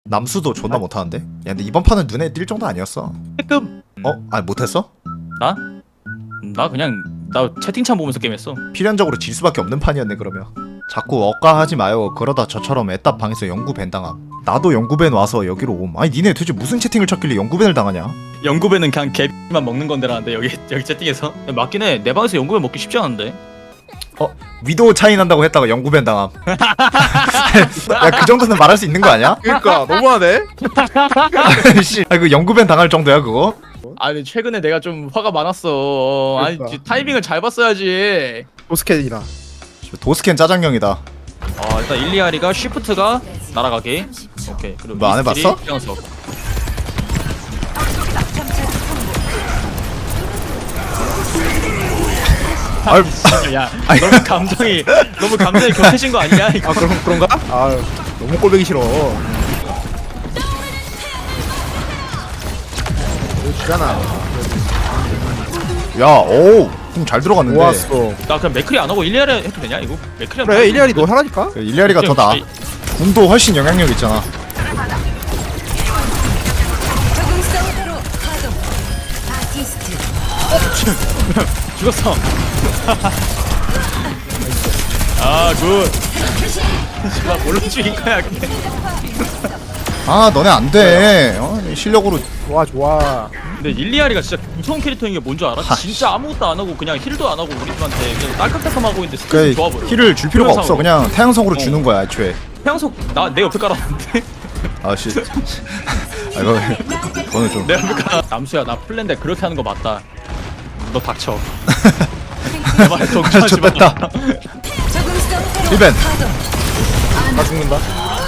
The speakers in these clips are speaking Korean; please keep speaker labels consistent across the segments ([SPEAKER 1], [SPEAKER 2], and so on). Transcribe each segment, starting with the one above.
[SPEAKER 1] 남수도 존나 못하는데? 야 근데 이번 판은 눈에 띌 정도 아니었어.
[SPEAKER 2] 조금
[SPEAKER 1] 아니 못했어?
[SPEAKER 2] 나 그냥 나 채팅창 보면서 게임했어.
[SPEAKER 1] 필연적으로 질 수밖에 없는 판이었네 그러면. 자꾸 억까하지 마요. 그러다 저처럼 애답 방에서 영구밴 당함. 나도 영구밴 와서 여기로 옴. 아니 니네 도대체 무슨 채팅을 쳤길래 영구밴을 당하냐?
[SPEAKER 2] 연구배는 그냥 개만 먹는 건데라는데 여기 채팅에서 맞긴 해. 내 방에서 연구배 먹기 쉽지 않은데.
[SPEAKER 1] 위도우 차이 난다고 했다가 영구밴 당함. 야 그 정도는 말할 수 있는 거 아니야?
[SPEAKER 3] 그러니까 너무하네.
[SPEAKER 1] 씨, 그 영구밴 당할 정도야 그거?
[SPEAKER 2] 아니 최근에 내가 좀 화가 많았어. 아니
[SPEAKER 3] 그러니까.
[SPEAKER 2] 타이밍을 잘 봤어야지.
[SPEAKER 3] 도스캔이라.
[SPEAKER 1] 도스캔 짜장형이다.
[SPEAKER 2] 일단 일리아리가 쉬프트가 날아가기. 오케이. 그리고
[SPEAKER 1] 뭐 안
[SPEAKER 2] 미스틸이
[SPEAKER 1] 해봤어?
[SPEAKER 2] 뛰어서. 야 너무 감정이 격해진 거 아니야 이거?
[SPEAKER 3] 아 그런가? 아 너무 꼴보기 싫어. 주잖아.
[SPEAKER 1] 야, 오, 잘 들어갔는데.
[SPEAKER 3] 좋았어.
[SPEAKER 2] 나 그냥 맥크리 안 하고 일리아리 해도 되냐 이거? 맥크리 하면
[SPEAKER 3] 그래 일리아리 너 하라니까.
[SPEAKER 1] 그 일리아리가 더 나아. 궁도 훨씬 영향력 있잖아.
[SPEAKER 4] 적응성으로 가동. 아티스트.
[SPEAKER 2] 죽었어. 아 굿. 씨발 뭘로 죽인 거야 그게.
[SPEAKER 1] 아, 너네 안 돼. 실력으로.
[SPEAKER 3] 좋아 좋아.
[SPEAKER 2] 근데 일리아리가 진짜 무서운 캐릭터인 게 뭔 줄 알아? 진짜 아무것도 안 하고 그냥 힐도 안 하고 우리 팀한테 그냥 딸깍딸깍하고 있는데 스킬이 좋아 보여.
[SPEAKER 1] 힐을 줄 필요가 없어.
[SPEAKER 2] 태양성으로.
[SPEAKER 1] 그냥 태양성으로 주는 거야, 애초에.
[SPEAKER 2] 태양석 나 내 옆에 깔았는데.
[SPEAKER 1] 아, 씨. 아, 이거는 좀.
[SPEAKER 2] 내 옆에 깔아. 남수야 나 플랜데 그렇게 하는 거 맞다. 너 닥쳐. 제발 정신하지 마.
[SPEAKER 1] 좋겠다.
[SPEAKER 4] 적응성으로
[SPEAKER 1] 리벤.
[SPEAKER 4] 가동.
[SPEAKER 3] 나 죽는다.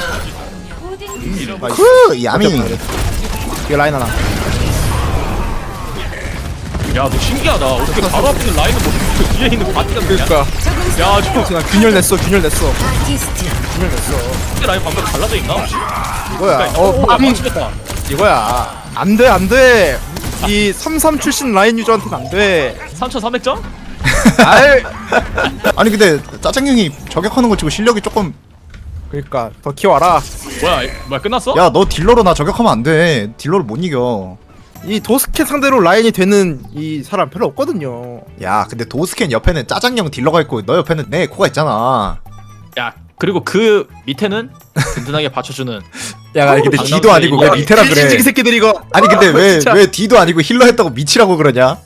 [SPEAKER 1] 크, 야미.
[SPEAKER 3] 이게 라인 하나.
[SPEAKER 2] 야, 너 신기하다. 어떻게 바로 앞에 있는 라인을 못 뒤에 있는 바티가 되냐?
[SPEAKER 3] 그러니까.
[SPEAKER 2] 야, 저
[SPEAKER 3] 그냥 균열 냈어 균열 냈어.
[SPEAKER 4] 아티스트.
[SPEAKER 3] 균열 냈어.
[SPEAKER 2] 라인 방금 갈라져 있나?
[SPEAKER 3] 이거야.
[SPEAKER 2] 오, 야, 망치겠다.
[SPEAKER 3] 이거야. 안돼 안돼. 이 33 출신 라인 유저한테는 안 돼.
[SPEAKER 2] 3,300점?
[SPEAKER 3] 알.
[SPEAKER 1] 아니, 근데 짜장형이 저격하는 거 치고 실력이 조금.
[SPEAKER 3] 그러니까 더 키워라.
[SPEAKER 2] 뭐야, 끝났어?
[SPEAKER 1] 야, 너 딜러로 나 저격하면 안 돼. 딜러를 못 이겨.
[SPEAKER 3] 이 도스켓 상대로 라인이 되는 이 사람 별로 없거든요.
[SPEAKER 1] 야, 근데 도스캔 옆에는 짜장형 딜러가 있고 너 옆에는 내 코가 있잖아.
[SPEAKER 2] 야, 그리고 그 밑에는 든든하게 받쳐주는.
[SPEAKER 1] 야, 아니 근데 D도 아니고 왜 밑에라 그래?
[SPEAKER 3] 이 새끼들 이거.
[SPEAKER 1] 아니 근데
[SPEAKER 3] 진짜.
[SPEAKER 1] 왜 D도 아니고 힐러 했다고 미치라고 그러냐?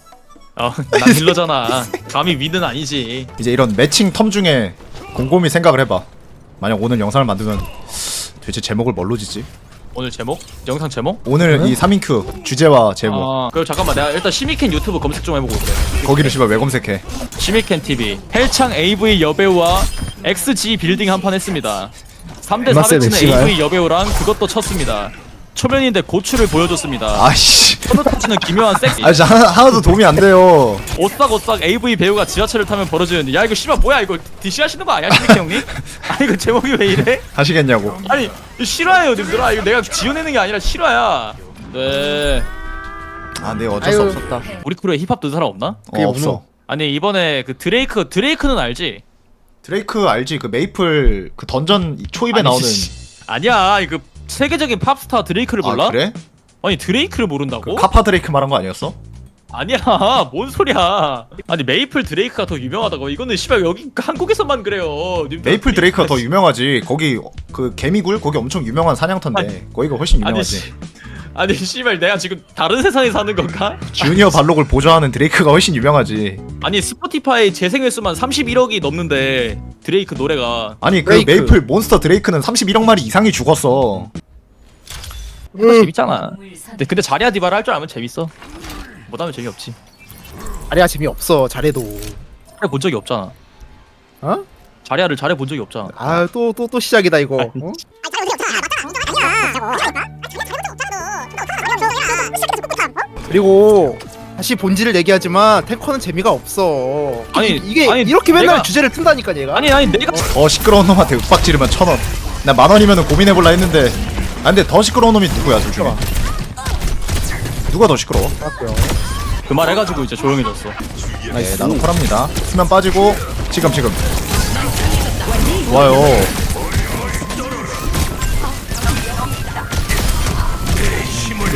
[SPEAKER 2] 난 힐러잖아. 감히 위는 아니지.
[SPEAKER 1] 이제 이런 매칭 텀 중에 곰곰이 생각을 해봐. 만약 오늘 영상을 만들면 도대체 제목을 뭘로 짓지?
[SPEAKER 2] 오늘 제목? 영상 제목?
[SPEAKER 1] 오늘 이 3인큐 주제와 제목
[SPEAKER 2] 그럼 잠깐만 내가 일단 시미켄 유튜브 검색 좀 해보고 올게.
[SPEAKER 1] 거기를 씨발 왜 검색해?
[SPEAKER 2] 시미켄 TV 헬창 AV 여배우와 XG 빌딩 한판 했습니다. 3대 400 치는 AV 여배우랑 그것도 쳤습니다. 초면인데 고추를 보여줬습니다.
[SPEAKER 1] 아이씨
[SPEAKER 2] 터치는 기묘한 섹시.
[SPEAKER 1] 아 진짜 하나도 도움이 안 돼요.
[SPEAKER 2] 오싹오싹 AV 배우가 지하철을 타면 벌어지는데 야 이거 씨발 뭐야 이거 DC 하시는 거 아니야 시미켄 형님? 아니 이거 제목이 왜 이래?
[SPEAKER 1] 하시겠냐고.
[SPEAKER 2] 아니 이거 실화예요 님들아. 이거 내가 지어내는 게 아니라 실화야. 네.
[SPEAKER 1] 아 네 어쩔 수
[SPEAKER 3] 아유.
[SPEAKER 1] 없었다.
[SPEAKER 2] 우리 크루에 힙합 듣는 사람 없나?
[SPEAKER 3] 그게
[SPEAKER 1] 없어.
[SPEAKER 2] 아니 이번에 그 드레이크는 알지?
[SPEAKER 1] 드레이크 알지? 그 메이플 그 던전 초입에
[SPEAKER 2] 아니,
[SPEAKER 1] 나오는.
[SPEAKER 2] 아니야 그 세계적인 팝스타 드레이크를 몰라?
[SPEAKER 1] 아 그래?
[SPEAKER 2] 아니 드레이크를 모른다고?
[SPEAKER 1] 그 카파 드레이크 말한 거 아니었어?
[SPEAKER 2] 아니야 뭔 소리야. 아니 메이플 드레이크가 더 유명하다고. 이거는 씨발 여기 한국에서만 그래요 님들.
[SPEAKER 1] 메이플 드레이크가 더 유명하지. 거기 그 개미굴 거기 엄청 유명한 사냥터인데 거기가 훨씬 유명하지.
[SPEAKER 2] 아니 씨발 내가 지금 다른 세상에 사는 건가?
[SPEAKER 1] 주니어 발록을 보좌하는 드레이크가 훨씬 유명하지.
[SPEAKER 2] 아니 스포티파이 재생 횟수만 31억이 넘는데 드레이크 노래가.
[SPEAKER 1] 아니 그
[SPEAKER 3] 드레이크.
[SPEAKER 1] 메이플 몬스터 드레이크는 31억 마리 이상이 죽었어.
[SPEAKER 2] 재밌잖아. 근데 자리아 디바를 할 줄 알면 재밌어. 못하면 재미없지.
[SPEAKER 3] 아리야 재미없어 잘해도.
[SPEAKER 2] 잘해본 적이 없잖아.
[SPEAKER 3] 어?
[SPEAKER 2] 자리아를 잘해본 적이 없잖아.
[SPEAKER 3] 아 또 시작이다 이거. 어? 그리고 다시 본질을 얘기하지만 탱커는 재미가 없어.
[SPEAKER 2] 아니,
[SPEAKER 3] 이게
[SPEAKER 2] 아니,
[SPEAKER 3] 이렇게 맨날
[SPEAKER 2] 내가-
[SPEAKER 3] 주제를 튼다니까 얘가.
[SPEAKER 2] 아니 내가
[SPEAKER 1] 시끄러운 놈한테 윽박 지르면 1,000원. 나 10,000원이면은 고민해볼라 했는데. 아 근데 더 시끄러운 놈이 누구야 둘 중에? 누가 더 시끄러워?
[SPEAKER 3] 맞고요.
[SPEAKER 2] 그 말 해가지고 이제 조용해졌어.
[SPEAKER 1] 네, 나도 콜합니다. 수면 빠지고 지금 좋아요.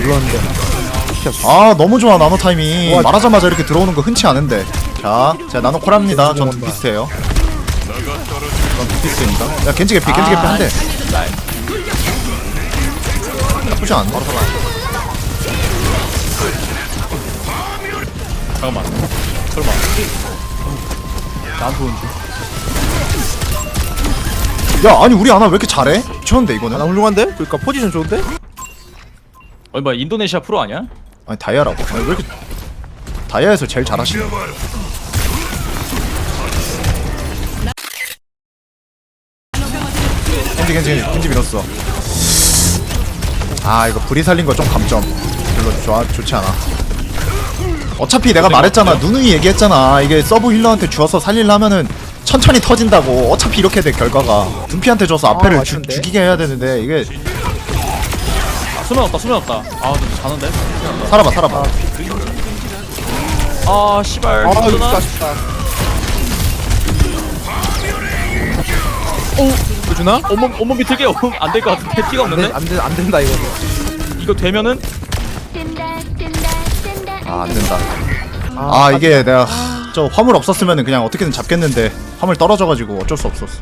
[SPEAKER 3] 눌렀는데.
[SPEAKER 1] 아 너무 좋아 나노 타이밍.
[SPEAKER 3] 와.
[SPEAKER 1] 말하자마자 이렇게 들어오는 거 흔치 않은데. 자 제가 나노 콜합니다. 전 두피스예요. 전 두피스입니다. 야 겐지 개피 한대. 나쁘지 않네.
[SPEAKER 2] 잠깐만. 설마. 난 좋은데.
[SPEAKER 1] 야 아니 우리 아나 왜 이렇게 잘해? 미쳤는데 이거는.
[SPEAKER 3] 나 훌륭한데? 그러니까 포지션 좋은데?
[SPEAKER 2] 뭐야 인도네시아 프로 아니야?
[SPEAKER 1] 아니 다이아라고. 아니 왜 이렇게 다이아에서 제일 잘하시네. 겐지 밀었어. 아 이거 불이 살린 거 좀 감점. 별로 좋지 않아. 어차피 내가 말했잖아. 누누이 얘기했잖아. 이게 서브 힐러한테 주어서 살리려면은 천천히 터진다고. 어차피 이렇게 돼 결과가. 둠피한테 줘서 앞에를 죽이게 해야 되는데 이게
[SPEAKER 2] 수면 없다. 아, 너 자는데?
[SPEAKER 1] 살아봐.
[SPEAKER 2] 아, 씨발.
[SPEAKER 3] 아 이거
[SPEAKER 2] 어쩌나?
[SPEAKER 3] 아쉽다. 오! 주나?
[SPEAKER 2] 온몸 비틀게 안 될 것 같은데 피가 없는데?
[SPEAKER 3] 안 된다 이거.
[SPEAKER 2] 이거 되면은
[SPEAKER 1] 아 안 된다. 아 이게 내가 저 화물 없었으면은 그냥 어떻게든 잡겠는데 화물 떨어져가지고 어쩔 수 없었어.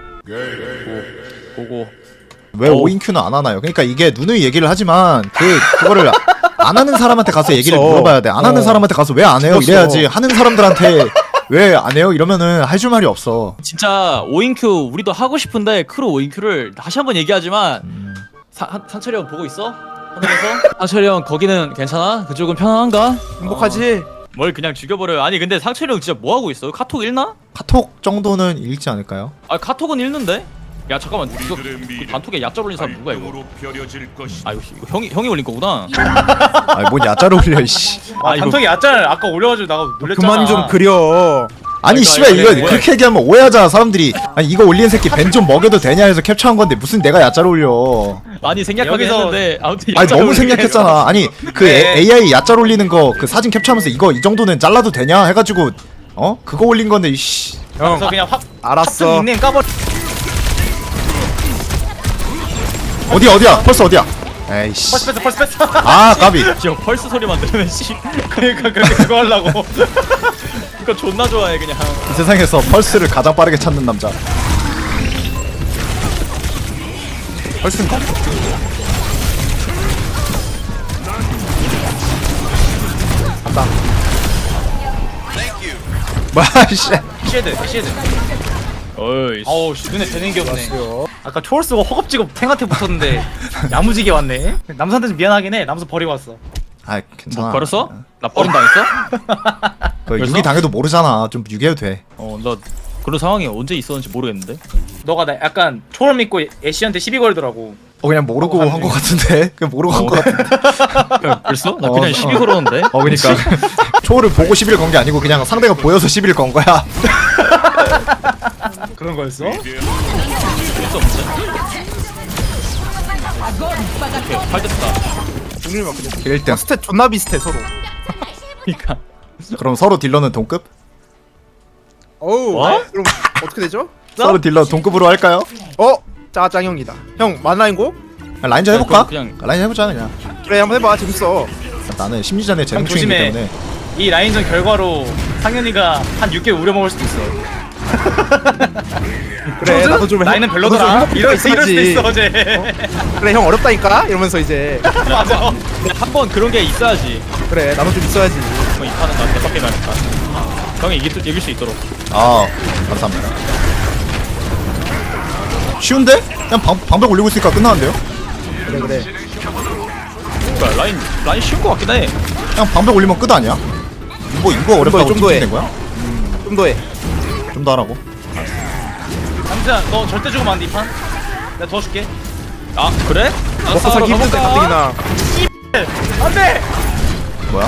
[SPEAKER 2] 보고
[SPEAKER 1] 왜 5인큐는 안 하나요? 그러니까 이게 누누이 얘기를 하지만 그거를 안 하는 사람한테 가서 얘기를
[SPEAKER 3] 없어.
[SPEAKER 1] 물어봐야 돼. 안 하는 사람한테 가서 왜 안 해요?
[SPEAKER 3] 없어.
[SPEAKER 1] 이래야지. 하는 사람들한테 왜 안 해요? 이러면은 할 줄 말이 없어.
[SPEAKER 2] 진짜 5인큐 우리도 하고 싶은데 크루 5인큐를 다시 한번 얘기하지만 상철이 형 보고 있어? 하늘에서? 상철이 형 거기는 괜찮아? 그쪽은 편안한가?
[SPEAKER 3] 행복하지?
[SPEAKER 2] 뭘 그냥 죽여버려요. 아니 근데 상철이 형 진짜 뭐하고 있어? 카톡 읽나?
[SPEAKER 1] 카톡 정도는 읽지 않을까요?
[SPEAKER 2] 아 카톡은 읽는데? 야 잠깐만 이거 그 단톡에 얕잡 올린 사람 누구야 이거? 아 이거 형이 올린 거구나.
[SPEAKER 1] 아니 뭔 야자로 올려 이씨.
[SPEAKER 2] 아 이거
[SPEAKER 5] 단톡에 얕짤 아까 올려가지고 나가 놀랬잖아.
[SPEAKER 3] 그만 좀 그려.
[SPEAKER 1] 아니
[SPEAKER 2] 그러니까
[SPEAKER 1] 씨발 이거
[SPEAKER 2] 뭐야.
[SPEAKER 1] 그렇게 얘기하면 오해하잖아 사람들이. 아니 이거 올리는 새끼 벤 좀 먹여도 되냐 해서 캡처한 건데 무슨 내가 야자로 올려.
[SPEAKER 2] 많이 생략하긴
[SPEAKER 5] 여기서-
[SPEAKER 2] 했는데 아무튼
[SPEAKER 1] 아니
[SPEAKER 2] 얕잡
[SPEAKER 1] 너무
[SPEAKER 2] 올리게
[SPEAKER 1] 생략했잖아. 아니 그
[SPEAKER 5] 네.
[SPEAKER 1] AI 야짤 올리는 거 그 사진 캡처하면서 이거 이 정도는 잘라도 되냐 해가지고 그거 올린 건데 이씨.
[SPEAKER 3] 형
[SPEAKER 5] 그래서 그냥 확
[SPEAKER 3] 알았어.
[SPEAKER 5] 닉네임 까버려.
[SPEAKER 1] 어디야 벌써 어디야. 에이씨.
[SPEAKER 5] 펄스 뺐어.
[SPEAKER 1] 아 까비.
[SPEAKER 2] 지금 펄스 소리만 들으면 씨
[SPEAKER 5] 그러니까 그거 하려고.
[SPEAKER 2] 이거 존나 좋아해 그냥.
[SPEAKER 1] 이 세상에서 펄스를 가장 빠르게 찾는 남자. 펄스인가?
[SPEAKER 3] 간다.
[SPEAKER 1] 뭐야 씨.
[SPEAKER 5] 시헤드.
[SPEAKER 2] 어이
[SPEAKER 5] 어우 씨, 눈에 되는 게 없네. 아까 초월스가 허겁지겁 탱한테 붙었는데 야무지게 왔네. 남수한테 좀 미안하긴 해. 남수 버리고 왔어.
[SPEAKER 1] 아 괜찮아.
[SPEAKER 2] 버렸어? 나 버림 당했어?
[SPEAKER 1] 그
[SPEAKER 2] 그래서?
[SPEAKER 1] 유기 당해도 모르잖아. 좀 유기해도 돼.
[SPEAKER 2] 나 그런 상황이 언제 있었는지 모르겠는데.
[SPEAKER 5] 너가 나 약간 초월 믿고 애쉬한테 시비 걸더라고.
[SPEAKER 1] 그냥 모르고 한 거 같은데. 그냥 모르고 한 거 같은데.
[SPEAKER 2] 벌써? 나 그냥 시비 걸었는데.
[SPEAKER 1] 그니까 초를 보고 11 건 게 아니고 그냥 상대가 보여서 11 건 거야.
[SPEAKER 5] 그런 거였어?
[SPEAKER 2] 벌써 없지? 오케이 8됐다.
[SPEAKER 3] 중률 막 그래.
[SPEAKER 1] 1등.
[SPEAKER 3] 스탯 존나 비슷해 서로.
[SPEAKER 2] 그니까
[SPEAKER 1] 그럼 서로 딜러는 동급?
[SPEAKER 3] 어우.
[SPEAKER 2] 뭐?
[SPEAKER 3] 그럼 어떻게 되죠?
[SPEAKER 1] 서로 딜러 동급으로 할까요?
[SPEAKER 3] 짜장형이다. 형 만라인고?
[SPEAKER 1] 라인전 해볼까?
[SPEAKER 2] 그냥-
[SPEAKER 1] 라인전 해보자 그냥.
[SPEAKER 3] 그래 한번 해봐. 재밌어.
[SPEAKER 1] 나는 심리전에 재능충이기
[SPEAKER 5] 조심해.
[SPEAKER 1] 때문에.
[SPEAKER 5] 이 라인전 결과로 상현이가 한 6개월 우려먹을 수도 있어.
[SPEAKER 3] 그래 나도 좀
[SPEAKER 5] 라인은
[SPEAKER 3] 나도
[SPEAKER 5] 별로더라.
[SPEAKER 3] 좀
[SPEAKER 5] 이럴 수도
[SPEAKER 3] 행복하지.
[SPEAKER 5] 있어 어제.
[SPEAKER 3] 그래 형 어렵다니까 이러면서 이제
[SPEAKER 5] 맞아.
[SPEAKER 2] 한번 그런 게 있어야지.
[SPEAKER 3] 그래 나도 좀 있어야지.
[SPEAKER 2] 이 판은 나 대박 게임 하니까. 형이 이길 수 있도록.
[SPEAKER 1] 아 감사합니다. 쉬운데? 그냥 방벽 올리고 있으니까 끝나는데요?
[SPEAKER 3] 그래
[SPEAKER 2] 그러니까 라인 쉬운 거 같긴 해.
[SPEAKER 1] 그냥 방벽 올리면 끝 아니야? 뭐 이거 어렵다고
[SPEAKER 3] 좀 더해.
[SPEAKER 1] 된 거야?
[SPEAKER 3] 좀 더해.
[SPEAKER 1] 좀 더 하라고.
[SPEAKER 5] 남자 너 절대 죽으면 안 돼 이 판. 내가 도와줄게.
[SPEAKER 2] 아 그래?
[SPEAKER 3] 먹고 살기 힘든데 가뜩이나.
[SPEAKER 5] 안돼.
[SPEAKER 1] 뭐야?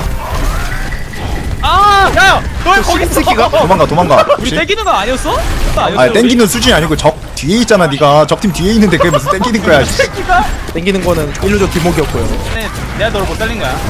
[SPEAKER 5] 아, 야, 너 거기 있어.
[SPEAKER 3] 새끼가?
[SPEAKER 1] 도망가.
[SPEAKER 2] 우리
[SPEAKER 1] 혹시?
[SPEAKER 2] 땡기는 거 아니었어?
[SPEAKER 1] 아니 땡기는 수준이 아니고 적 뒤에 있잖아 네가. 적팀 뒤에 있는데 그게 무슨 땡기는 거야. 씨.
[SPEAKER 3] 땡기는 거는 일루저 뒷목이었고요.
[SPEAKER 5] 내가 너를 못 달린 거야.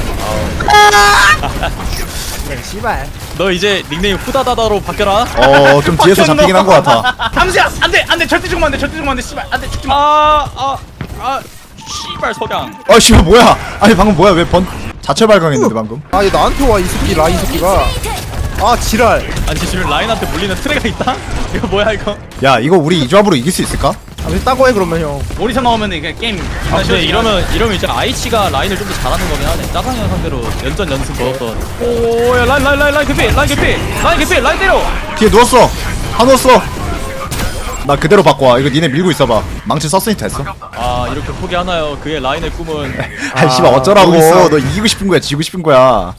[SPEAKER 3] 씨발.
[SPEAKER 2] 너 이제 닉네임 후다다다로 바뀌어라.
[SPEAKER 1] 좀 뒤에서 잡히긴 한 거 같아.
[SPEAKER 5] 함수야, 안돼, 절대 죽으면 안 돼, 절대 죽으면 안 돼, 씨발, 안돼 죽지 마.
[SPEAKER 2] 아 씨발 석양.
[SPEAKER 1] 아 씨발 뭐야? 아니 방금 뭐야? 왜 자체 발광했는데 방금?
[SPEAKER 3] 아니 나한테 와 이 새끼 라인 새끼가. 아 지랄.
[SPEAKER 2] 아니 지금 라인한테 물리는 트레가 있다? 이거 뭐야 이거?
[SPEAKER 1] 야 이거 우리 이 조합으로 이길 수 있을까?
[SPEAKER 3] 아 따고 해 그러면 형.
[SPEAKER 5] 오리사 나오면 이게 게임
[SPEAKER 2] 아 근데 이러면 이제 아이치가 라인을 좀 더 잘하는 거긴 하네. 짜장면 상대로 연전 연승 걸었던. 오야 라인 개피 라인 때려.
[SPEAKER 1] 뒤에 누웠어. 다 누웠어. 나 그대로 바꿔. 이거 니네 밀고 있어봐. 망치 썼으니 됐어.
[SPEAKER 2] 아 이렇게 포기하나요? 그의 라인의 꿈은.
[SPEAKER 1] 아이 씨발 어쩌라고.
[SPEAKER 3] 여기 있어.
[SPEAKER 1] 너 이기고 싶은 거야, 지고 싶은 거야.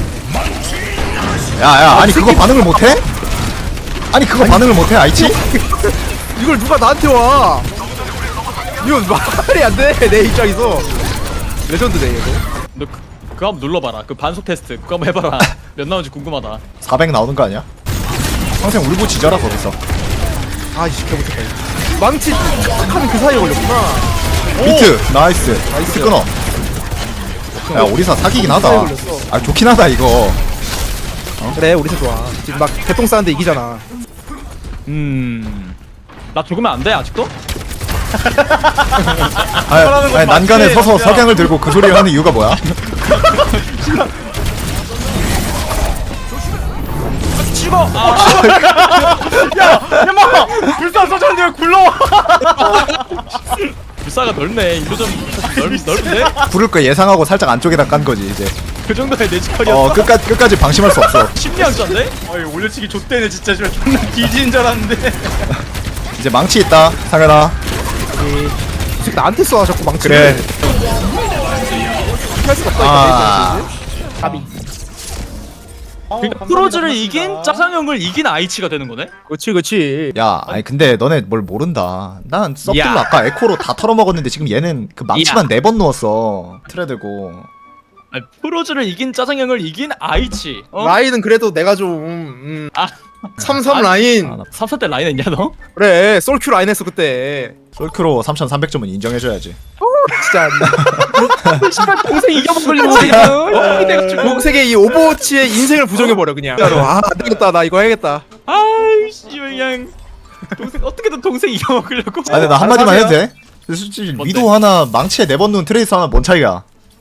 [SPEAKER 1] 야야 아니 그거 반응을 못해? 아니 그거 반응을 못해 아이치?
[SPEAKER 3] 이걸 누가 나한테 와? 이건 말이 안 돼. 내 입장에서 레전드네 이거.
[SPEAKER 2] 너 그거 한번 눌러봐라. 그 반속 테스트 그거 한번 해봐라. 몇 나오는지 궁금하다.
[SPEAKER 1] 400 나오는 거 아니야? 평생 울고 지져라 거기서.
[SPEAKER 3] 아 이씨 개못했다. 망치 착하는 그 사이에 걸렸구나.
[SPEAKER 1] 비트 나이스.
[SPEAKER 3] 나이스.
[SPEAKER 1] 끊어. 야 오리사 사기긴 하다.
[SPEAKER 3] 걸렸어.
[SPEAKER 1] 아 좋긴 하다 이거.
[SPEAKER 3] 그래 우리도 좋아. 지금 막 개똥 싸는데 이기잖아.
[SPEAKER 2] 나 죽으면 안 돼 아직도?
[SPEAKER 1] 아니 난간에 서서 석양을 들고 그 소리를 하는 이유가 뭐야?
[SPEAKER 2] 죽어.
[SPEAKER 5] 야마 불사 써줬는데 왜 굴러와?
[SPEAKER 2] 불사가 넓네. 이거 좀 넓은데?
[SPEAKER 1] 부를 거 예상하고 살짝 안쪽에다 깐 거지 이제.
[SPEAKER 2] 그 정도의 내지컬이었어.
[SPEAKER 1] 끝까지 방심할 수 없어.
[SPEAKER 2] 심리학자인데?
[SPEAKER 5] 아이 올려치기 좆대네 진짜. 지금 존나 뒤지는 줄 알았는데.
[SPEAKER 1] 이제 망치 있다 상현아.
[SPEAKER 3] 이 새끼 나한테 쏴 자꾸 망치.
[SPEAKER 1] 그래.
[SPEAKER 3] 할 수가 없다
[SPEAKER 1] 아.
[SPEAKER 3] 이거. 가비.
[SPEAKER 2] 그러니까 프로즈를 이긴 짜장형을 이긴 아이치가 되는 거네?
[SPEAKER 3] 그렇지.
[SPEAKER 1] 야, 아니 근데 너네 뭘 모른다. 난 썩들로
[SPEAKER 5] 야.
[SPEAKER 1] 아까 에코로 다 털어먹었는데 지금 얘는 그 망치만 4번 누웠어. 틀에 들고.
[SPEAKER 2] 아니, 프로즈를 이긴 짜장형을 이긴 아이치. 어?
[SPEAKER 3] 라인은 그래도 내가 좀
[SPEAKER 2] 아,
[SPEAKER 3] 33 라인.
[SPEAKER 2] 3사 때 라인 했냐 너?
[SPEAKER 3] 그래 솔큐 라인 했어 그때.
[SPEAKER 1] 솔크로 3,300점은 인정해줘야지.
[SPEAKER 3] 진짜
[SPEAKER 2] 씨발 동생 이겨먹으려고 지금.
[SPEAKER 3] 공세계 이 오버워치의 인생을 부정해버려 그냥. 진짜로 아 안되겠다 나 이거 해야겠다.
[SPEAKER 2] 아이씨 그냥 동생 어떻게든 동생 이겨먹으려고.
[SPEAKER 1] 아 근데 나 한마디만
[SPEAKER 3] 하세요.
[SPEAKER 1] 해도 돼? 근데 솔직히
[SPEAKER 2] 뭔데?
[SPEAKER 1] 위도 하나 망치에 4번 누운 트레이스 하나 뭔 차이야?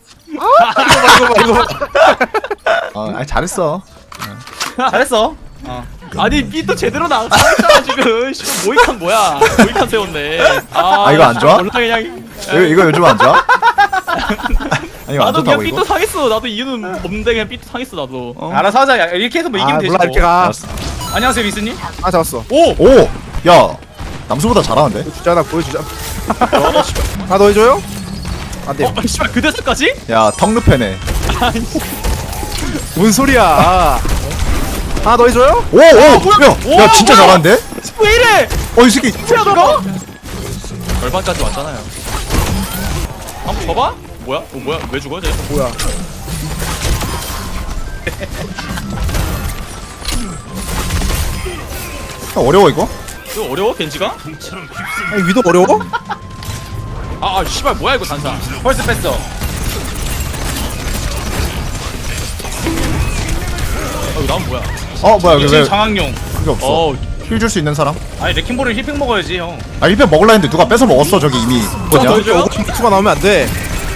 [SPEAKER 3] 이거
[SPEAKER 1] 아니 잘했어.
[SPEAKER 5] 잘했어.
[SPEAKER 2] 아니 삐도 제대로 나왔잖아 지금. 씨발 모이칸 뭐야? 모이칸 세웠네.
[SPEAKER 1] 아, 이거 안 좋아?
[SPEAKER 2] 몰라 그냥.
[SPEAKER 1] 이거 요즘 안 좋아? 아니 이거 안
[SPEAKER 2] 나도 그냥
[SPEAKER 1] 좋다고
[SPEAKER 2] 삐도
[SPEAKER 1] 이거?
[SPEAKER 2] 상했어. 나도 이유는 없는데 그냥 삐도 상했어 나도. 어?
[SPEAKER 5] 알아서 하자. 야, 이렇게 해서 뭐 이기면
[SPEAKER 3] 아
[SPEAKER 5] 되지.
[SPEAKER 3] 몰라
[SPEAKER 5] 뭐.
[SPEAKER 3] 이렇게 가.
[SPEAKER 1] 알았어.
[SPEAKER 5] 안녕하세요 미스님.
[SPEAKER 3] 아 잡았어.
[SPEAKER 1] 오! 야! 남수보다 잘하는데?
[SPEAKER 3] 주자 나 보여주자. 아 너 해줘요? 안 돼요.
[SPEAKER 2] 씨발 그 대사까지?
[SPEAKER 1] 야 턱르페네.
[SPEAKER 3] 뭔 소리야? 아 너 해줘요?
[SPEAKER 1] 오! 야 진짜
[SPEAKER 2] 뭐야?
[SPEAKER 1] 잘하는데?
[SPEAKER 2] 왜 이래?
[SPEAKER 1] 이 새끼
[SPEAKER 2] 이거? 절반까지 왔잖아요. 한번 줘봐? 뭐야? 뭐야? 왜 죽어 쟤?
[SPEAKER 3] 뭐야?
[SPEAKER 1] 어려워 이거?
[SPEAKER 2] 이거 어려워 겐지가?
[SPEAKER 3] 아니 위도 어려워?
[SPEAKER 2] 씨발 뭐야 이거 단사.
[SPEAKER 5] 벌써 뺐어.
[SPEAKER 2] 이거 나는 뭐야?
[SPEAKER 1] 뭐야
[SPEAKER 5] 이게
[SPEAKER 1] 왜
[SPEAKER 5] 장학용.
[SPEAKER 1] 그게 없어. 힐 줄 수 있는 사람?
[SPEAKER 5] 아니 레킹볼을 힐핑 먹어야지 형.
[SPEAKER 1] 아 1편 먹을라 했는데 누가 뺏어 먹었어 저기 이미. 뭐냐?
[SPEAKER 2] 더 해줘요?
[SPEAKER 3] 투가 나오면 안 돼.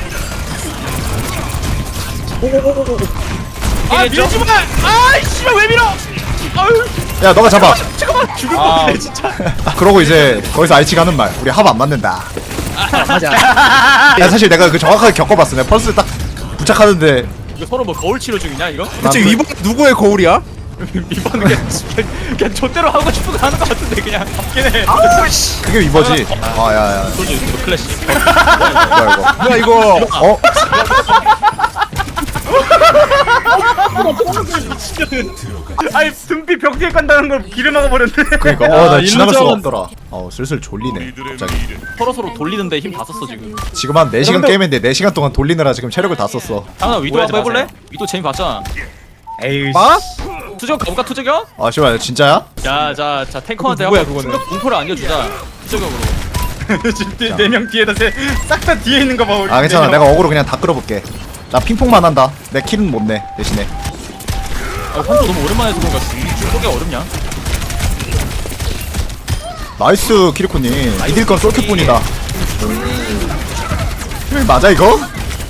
[SPEAKER 2] 밀지 마! 씨발 왜 밀어? 아유
[SPEAKER 1] 야 너가 잡아.
[SPEAKER 2] 잠깐만 죽을 것
[SPEAKER 5] 아.
[SPEAKER 2] 같아 진짜.
[SPEAKER 1] 그러고 이제 거기서 알치가 하는 말. 우리 합 안 맞는다.
[SPEAKER 3] 맞아.
[SPEAKER 1] 야 사실 내가 그 정확하게 겪어봤어. 내가 펄스 딱 부착하는데
[SPEAKER 2] 이거 서로 뭐 거울 치료 중이냐 이거?
[SPEAKER 3] 대체 위번 누구의 거울이야?
[SPEAKER 2] 이번 그냥 좆대로 하고 싶은 거 하는 거 같은데 그냥 맞긴 해.
[SPEAKER 1] 그게 위버지. 야야
[SPEAKER 2] 소주 이거 클래식.
[SPEAKER 1] 뭐야 이거?
[SPEAKER 3] 뭐야 이거?
[SPEAKER 5] 아니 등비 벽 뒤에 간다는 걸 길을 막아버렸네.
[SPEAKER 1] 그러니까 나 지나갈 수가 없더라. 슬슬 졸리네. 갑자기.
[SPEAKER 2] 서로 돌리는데 힘 다 썼어 지금.
[SPEAKER 1] 지금 한 4시간 게임인데 4시간 동안 돌리느라 지금 체력을 다 썼어.
[SPEAKER 2] 하나 위도
[SPEAKER 5] 오해하지
[SPEAKER 2] 한번 해볼래?
[SPEAKER 5] 마세요.
[SPEAKER 2] 위도 재미 봤잖아.
[SPEAKER 5] 에이.
[SPEAKER 3] 마?
[SPEAKER 2] 투적 가볼까 투적이요?
[SPEAKER 1] 씨발 진짜야?
[SPEAKER 2] 자 탱커한테
[SPEAKER 3] 누구야,
[SPEAKER 2] 한번
[SPEAKER 3] 그거는?
[SPEAKER 2] 공포를 안겨주자. 투적으로.
[SPEAKER 5] 지금 4명 뒤에다 싹 다 뒤에 있는 거 봐. 우리
[SPEAKER 1] 괜찮아.
[SPEAKER 5] 네 명.
[SPEAKER 1] 내가 어그로 그냥 다 끌어볼게. 나 핑퐁만 한다. 내 킬은 못 내. 대신에.
[SPEAKER 2] 한조 너무 오랜만에 해서 그런가 쏘기가 어렵냐?
[SPEAKER 1] 나이스 키리코님. 이길 건 솔킬뿐이다. 힐 맞아 이거?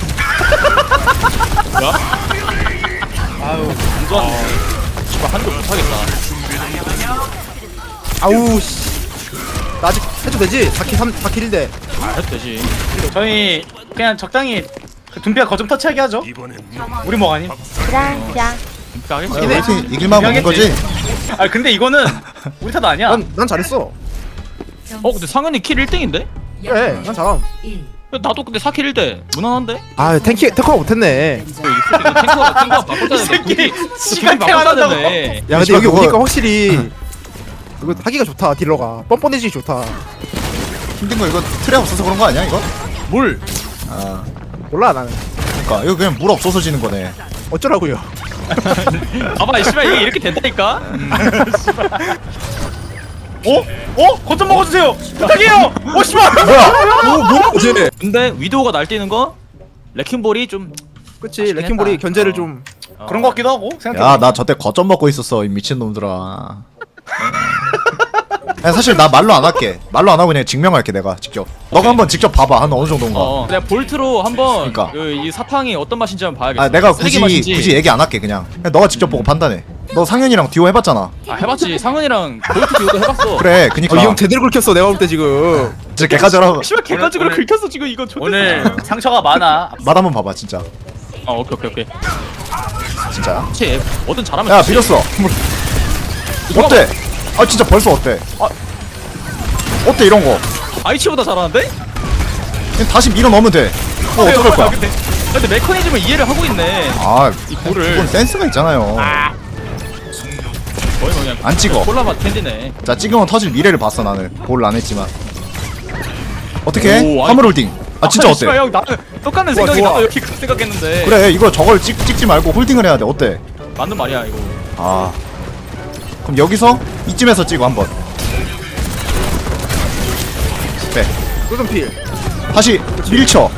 [SPEAKER 5] 아유 안 좋았네.
[SPEAKER 2] 씨발 한줄 못하겠다.
[SPEAKER 3] 아우 씨. 나 아직 해도 되지? 4킬 1대.
[SPEAKER 2] 해도 되지.
[SPEAKER 5] 저희 그냥 적당히 그 둠피가 거점 터치하게 하죠. 우리 뭐 아님?
[SPEAKER 2] 하겠지.
[SPEAKER 1] 야, 우리 이길만 먹는 거지?
[SPEAKER 5] 아 근데 이거는 우리 탓 아니야.
[SPEAKER 3] 난 잘했어.
[SPEAKER 2] 근데 상현이 킬 1등인데?
[SPEAKER 3] 그래, 난 잘함.
[SPEAKER 2] 나도 근데 4킬 1대. 무난한데?
[SPEAKER 3] 아, 탱커가 못했네.
[SPEAKER 2] 탱커가 바꿔줘야
[SPEAKER 5] 이 새끼
[SPEAKER 2] 돼.
[SPEAKER 5] 시간
[SPEAKER 2] 바꿔줘야
[SPEAKER 5] 태어난다고.
[SPEAKER 2] 되네.
[SPEAKER 3] 야, 근데
[SPEAKER 1] 씨발,
[SPEAKER 3] 여기
[SPEAKER 1] 그거-
[SPEAKER 3] 오니까 확실히 이거 하기가 좋다. 딜러가 뻔뻔해지기 좋다.
[SPEAKER 1] 힘든 거 이거 틀에 없어서 그런 거 아니야 이거?
[SPEAKER 2] 뭘?
[SPEAKER 1] 아
[SPEAKER 3] 몰라 나는.
[SPEAKER 1] 그러니까 이거 그냥 물 없어서 지는 거네.
[SPEAKER 3] 어쩌라고요?
[SPEAKER 2] 봐봐, 씨발 이게 이렇게 된다니까?
[SPEAKER 5] 거점 먹어주세요. 부탁해요. 씨발.
[SPEAKER 3] 뭐지?
[SPEAKER 2] 근데 위도우가 날뛰는 거? 레킹볼이 좀
[SPEAKER 3] 그치,
[SPEAKER 2] 아쉽긴
[SPEAKER 3] 레킹볼이
[SPEAKER 2] 했다.
[SPEAKER 3] 견제를 좀.
[SPEAKER 5] 그런 거 같기도 하고 생각해.
[SPEAKER 1] 야 나 저때 거점 먹고 있었어 이 미친 놈들아. 야, 사실 나 말로 안 할게. 말로 안 하고 그냥 증명할게 내가 직접. 너가 한번 직접 봐봐 한 어느 정도인가.
[SPEAKER 2] 내가 볼트로 한번
[SPEAKER 1] 그러니까.
[SPEAKER 2] 이 사탕이 어떤 맛인지 한번 봐야겠어.
[SPEAKER 1] 아 내가
[SPEAKER 2] 쓰레기
[SPEAKER 1] 굳이
[SPEAKER 2] 맛인지.
[SPEAKER 1] 얘기 안 할게 그냥. 너가 직접 보고 판단해. 너 상현이랑 듀오 해봤잖아.
[SPEAKER 2] 해봤지. 상은이랑 볼트 듀오도 해봤어.
[SPEAKER 1] 그래 그니까.
[SPEAKER 3] 이 형 제대로 긁혔어 내가 볼 때 지금.
[SPEAKER 1] 진짜 개까지라고.
[SPEAKER 2] 씨발 객관적으로
[SPEAKER 5] 오늘-
[SPEAKER 2] 긁혔어 지금 이거 존나.
[SPEAKER 5] 오늘 상처가 많아.
[SPEAKER 1] 맛 한번 봐봐 진짜.
[SPEAKER 2] 오케이.
[SPEAKER 1] 진짜.
[SPEAKER 2] 그치. 뭐든 잘하면
[SPEAKER 1] 야
[SPEAKER 2] 되지.
[SPEAKER 1] 비렸어. 어때? 아 진짜 벌써 어때? 어때 이런 거?
[SPEAKER 2] 아이치보다 잘하는데?
[SPEAKER 1] 그냥 다시 밀어 넣으면 돼. 어떡할 거야?
[SPEAKER 2] 근데 메커니즘을 이해를 하고 있네.
[SPEAKER 1] 아
[SPEAKER 2] 이 볼을
[SPEAKER 1] 그건 센스가 있잖아요.
[SPEAKER 2] 거의 뭐 그냥
[SPEAKER 1] 안 찍어.
[SPEAKER 2] 콜라맛 캔디네.
[SPEAKER 1] 자 찍으면 터질 미래를 봤어 나는. 볼을 안 했지만. 어떻게?
[SPEAKER 2] 오, 아니-
[SPEAKER 1] 화물 홀딩. 아 진짜 어때?
[SPEAKER 2] 씨발 형 나는 똑같은
[SPEAKER 3] 좋아,
[SPEAKER 2] 생각이
[SPEAKER 3] 좋아.
[SPEAKER 2] 나도 이렇게 생각했는데.
[SPEAKER 1] 그래 이거 저걸 찍지 말고 홀딩을 해야 돼. 어때?
[SPEAKER 2] 맞는 말이야 이거.
[SPEAKER 1] 아 그럼 여기서 이쯤에서 찍어 한번. 네.
[SPEAKER 3] 꿀금필.
[SPEAKER 1] 다시 밀쳐.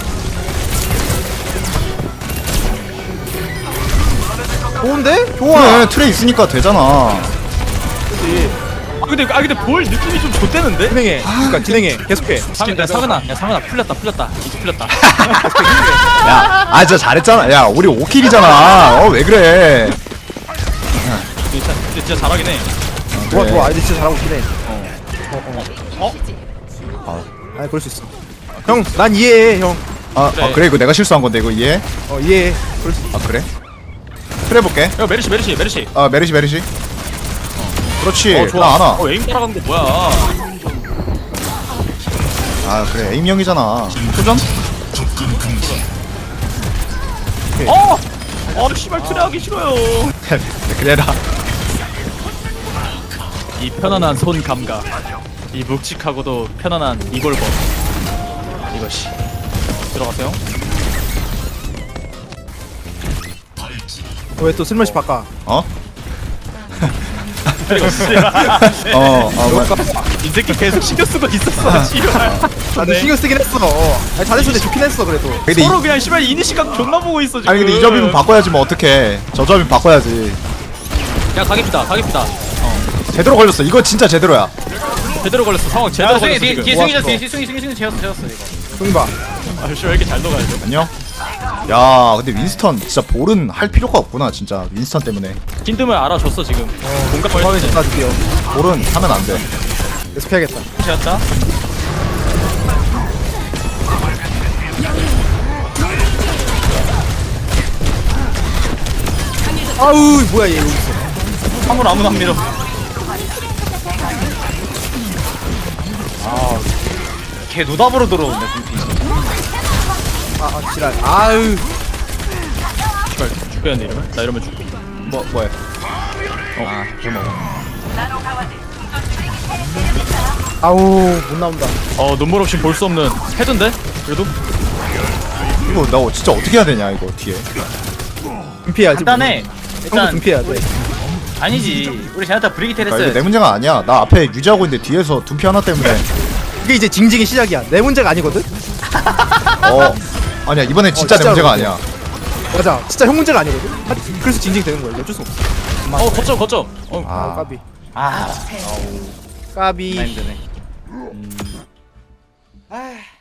[SPEAKER 3] 좋은데?
[SPEAKER 1] 좋아. 트레 있으니까 되잖아.
[SPEAKER 3] 그치.
[SPEAKER 2] 근데 볼 느낌이 좀 좋대는데?
[SPEAKER 3] 진행해. 그러니까 진행해. 계속해.
[SPEAKER 2] 상은아 풀렸다 이제 풀렸다.
[SPEAKER 1] 야, 아 진짜 잘했잖아. 야, 우리 5킬이잖아. 왜 그래?
[SPEAKER 2] 진짜 잘하긴 해.
[SPEAKER 3] 좋아
[SPEAKER 1] 그래.
[SPEAKER 3] 좋아. 아이들 진짜 잘하고 있긴 해.
[SPEAKER 1] 아,
[SPEAKER 3] 아 그럴 수 있어. 형, 난 이해해 형.
[SPEAKER 2] 그래.
[SPEAKER 1] 그래 이거 내가 실수한 건데 이거 이해?
[SPEAKER 3] 이해해. 그럴 수 있어.
[SPEAKER 1] 아 그래? 그래 볼게.
[SPEAKER 2] 야 메르시.
[SPEAKER 1] 아 메르시. 그렇지.
[SPEAKER 2] 좋아.
[SPEAKER 1] 나 안아.
[SPEAKER 2] 에임 따라간 거 뭐야?
[SPEAKER 1] 아 그래 에임형이잖아. 도전?
[SPEAKER 2] 씨발 트레하기 싫어요.
[SPEAKER 1] 그래라.
[SPEAKER 2] 이 편안한 손 감각, 이 묵직하고도 편안한 이골법. 이것이 들어가세요.
[SPEAKER 3] 왜 또 쓸맛이 바꿔?
[SPEAKER 1] 어?
[SPEAKER 2] 이 새끼 계속 신경 쓰고 있었어. 씨발.
[SPEAKER 3] 나도 신경 쓰긴 했어. 아니, 잘했어. 근데 좋긴 했어 그래도.
[SPEAKER 1] 근데
[SPEAKER 2] 서로 그냥 씨발 이니시각 존나 보고 있어 지금.
[SPEAKER 1] 아니 근데 이 점이면 바꿔야지 뭐 어떡해. 저 점이면 바꿔야지.
[SPEAKER 2] 야 가깁시다.
[SPEAKER 1] 제대로 걸렸어. 이거 진짜 제대로야.
[SPEAKER 2] 제대로 걸렸어. 상황 제대로 걸렸어 지금.
[SPEAKER 5] 뒤에
[SPEAKER 3] 모았어.
[SPEAKER 5] 승이 채웠어 이거.
[SPEAKER 3] 형님 봐.
[SPEAKER 2] 씨, 왜 이렇게 잘 녹아야 돼?
[SPEAKER 1] 안녕. 야 근데 윈스턴 진짜 볼은 할 필요가 없구나 진짜 윈스턴 때문에.
[SPEAKER 2] 킨드을 알아줬어 지금. 공감을
[SPEAKER 3] 사회
[SPEAKER 2] 했네.
[SPEAKER 3] 다 드디어.
[SPEAKER 1] 볼은 하면 안 돼.
[SPEAKER 3] 계속 해야겠다.
[SPEAKER 2] 채웠다.
[SPEAKER 3] 아우 뭐야 얘 여기 있어.
[SPEAKER 5] 화물 아무나 안 밀어. 걔 노답으로 들어오네 둠피.
[SPEAKER 3] 지랄. 아유.
[SPEAKER 2] 씨발 죽겠는데 이러면? 나 이러면 죽고.
[SPEAKER 1] 뭐해?
[SPEAKER 3] 아우 못 나온다.
[SPEAKER 2] 눈물 없이 볼 수 없는 헤드인데? 그래도?
[SPEAKER 1] 이거 나 진짜 어떻게 해야 되냐 이거 뒤에.
[SPEAKER 3] 둠피해야지.
[SPEAKER 5] 간단해.
[SPEAKER 3] 형도
[SPEAKER 5] 일단
[SPEAKER 3] 둠피해야 돼.
[SPEAKER 5] 아니지. 우리 제나타 브리기테
[SPEAKER 1] 그러니까 이거
[SPEAKER 5] 했어요.
[SPEAKER 1] 내 문제가 아니야. 나 앞에 유지하고 있는데 뒤에서 둔피 하나 때문에.
[SPEAKER 3] 이게 이제 징징이 시작이야. 내 문제가 아니거든.
[SPEAKER 1] 아니야 이번엔 진짜 내
[SPEAKER 3] 진짜로
[SPEAKER 1] 문제가
[SPEAKER 3] 그래.
[SPEAKER 1] 아니야.
[SPEAKER 3] 맞아. 진짜 형 문제가 아니거든. 그래서 징징 되는 거야. 어쩔 수 없어.
[SPEAKER 2] 거점.
[SPEAKER 3] 아 까비.
[SPEAKER 5] 아,
[SPEAKER 3] 까비.
[SPEAKER 5] 나 힘드네.
[SPEAKER 3] 아.